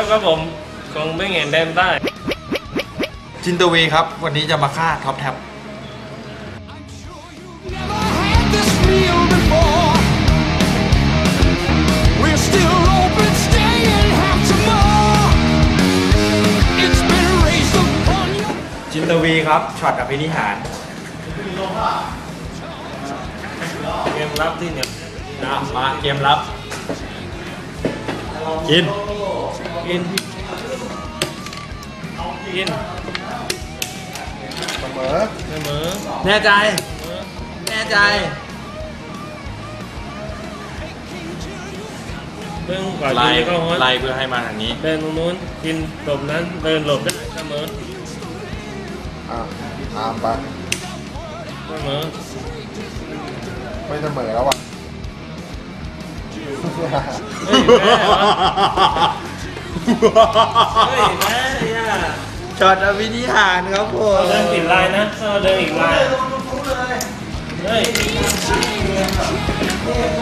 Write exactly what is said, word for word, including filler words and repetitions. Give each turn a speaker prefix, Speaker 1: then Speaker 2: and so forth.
Speaker 1: บครับผมคงไม่เห็นแดนได้
Speaker 2: จินตวีครับวันนี้จะมาฆ่าท็อปแท็บจินตวีครับช็อตอภินิหาร
Speaker 1: เกมรับที่เนี่ย
Speaker 2: นะมาเกมรับกิน
Speaker 1: กินกิน
Speaker 2: เสมอ
Speaker 1: เสมอ
Speaker 2: แน่ใจแน่ใจ
Speaker 1: เพิ่งก่อน
Speaker 2: ไล่
Speaker 1: ก็ฮอต
Speaker 2: ไล่เพื่อให้มาทางนี้
Speaker 1: เดินตรงนู้นกินหลบนั้นเดินหลบได้เสมอ
Speaker 2: อ่าตามไป
Speaker 1: เสมอ
Speaker 2: ไม่เสมอแล้วว่ะ
Speaker 1: เฮ้ยแม่เหรอเฮ้ยแม่เนี่ย
Speaker 2: ช็อตอภินิหารครับผม
Speaker 1: เดินติดลายนะเดินอีกลายเฮ้ย